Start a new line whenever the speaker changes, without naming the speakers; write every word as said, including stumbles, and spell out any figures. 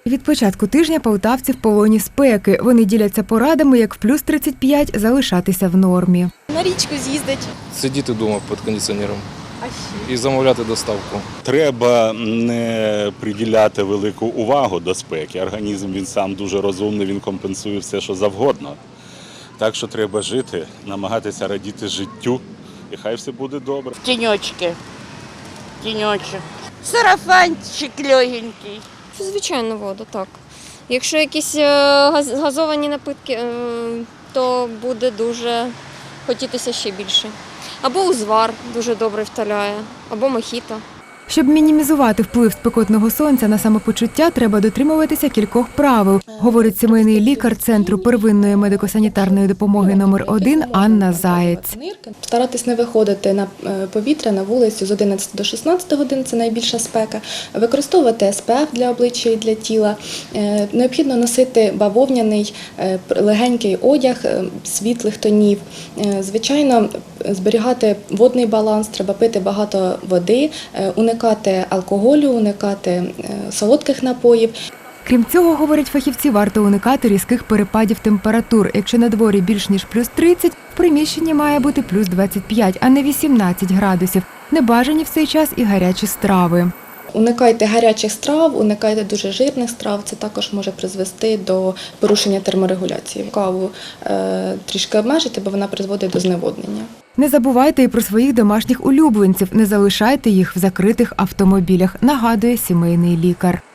Від початку тижня полтавці в полоні спеки. Вони діляться порадами, як в плюс тридцять п'ять залишатися в нормі.
На річку з'їздить.
Сидіти вдома під кондиціонером
А ще?
і замовляти доставку.
Треба не приділяти велику увагу до спеки. Організм він сам дуже розумний, він компенсує все, що завгодно. Так що треба жити, намагатися радіти життю, і хай все буде добре.
Тіньочки, тіньочок, сарафанчик легенький.
Звичайно, воду, так. Якщо якісь е, газ- газовані напитки, е, то буде дуже хотітися ще більше. Або узвар дуже добре вталяє, або мохіто.
Щоб мінімізувати вплив спекотного сонця на самопочуття, треба дотримуватися кількох правил, говорить сімейний лікар Центру первинної медико-санітарної допомоги номер один Анна Заєць.
Старатись не виходити на повітря, на вулицю з одинадцяти до шістнадцяти годин, це найбільша спека. Використовувати ес пе еф для обличчя і для тіла. Необхідно носити бавовняний, легенький одяг світлих тонів. Звичайно, зберігати водний баланс, треба пити багато води, уникати алкоголю, уникати солодких напоїв.
Крім цього, говорять фахівці, варто уникати різких перепадів температур. Якщо на дворі більш ніж плюс тридцять, в приміщенні має бути плюс двадцять п'ять, а не вісімнадцять градусів. Небажані в цей час і гарячі страви.
Уникайте гарячих страв, уникайте дуже жирних страв, це також може призвести до порушення терморегуляції. Каву е, трішки обмежити, бо вона призводить до зневоднення.
Не забувайте і про своїх домашніх улюбленців, не залишайте їх в закритих автомобілях, нагадує сімейний лікар.